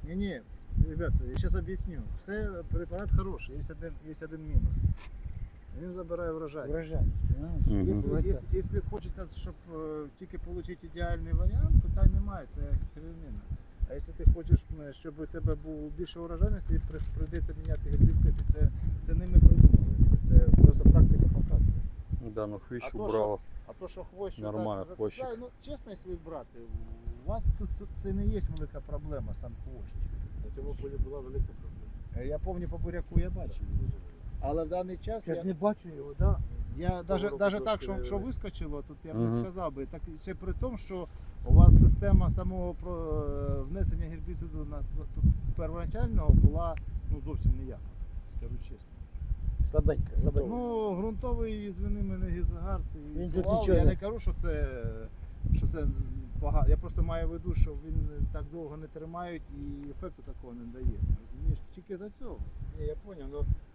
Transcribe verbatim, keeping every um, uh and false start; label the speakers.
Speaker 1: Не-не, ребята, я сейчас объясню. Все, препарат хороший, есть один, есть один минус. Він забирає врожай.
Speaker 2: Урожайность, понимаешь?
Speaker 3: Мгм.
Speaker 1: Якщо,
Speaker 2: Вот
Speaker 1: якщо, якщо хочеться, щоб е, тільки отримати ідеальний варіант, питань немає, це херівнина. А якщо ти хочеш, е, щоб у тебе був більше урожайності, при- прийдеться міняти гербіциди. Це, це не ми придумали. Це просто практика показує.
Speaker 3: Да, ну хвіщ
Speaker 1: А то,
Speaker 3: убрало.
Speaker 1: А то, що хвощ що
Speaker 3: Нормально,
Speaker 1: так
Speaker 3: хвощик.
Speaker 1: зацепляє, ну чесно, якщо брати, у вас тут це, це не є велика проблема, сам хвощ.
Speaker 4: На цьому полі була велика проблема.
Speaker 1: Е, Я пам'ятаю, по буряку я бачив. Але в даний час
Speaker 2: Я
Speaker 1: я,
Speaker 2: ж не бачу його, да?
Speaker 1: я навіть,
Speaker 4: року
Speaker 1: навіть так,
Speaker 4: трошки
Speaker 1: що,
Speaker 4: не
Speaker 1: що
Speaker 4: видно.
Speaker 1: вискочило, тут я б
Speaker 3: Мгм.
Speaker 1: не сказав би. Так ще при тому, що у вас система самого про- е, внесення гербіциду на тут первоначального була ну, зовсім ніяка, скажу чесно.
Speaker 2: Слабенько, слабенько.
Speaker 1: Ну, ґрунтовий, звини мене, гізагард і
Speaker 2: Він тут
Speaker 1: Кувал.
Speaker 2: нічого
Speaker 1: Я
Speaker 2: не-
Speaker 1: не кажу, що це, що це погано. Я просто маю в виду, що він так довго не тримають і ефекту такого не дає. Розумієш, тільки за цього.
Speaker 4: Ні, я зрозумів, ну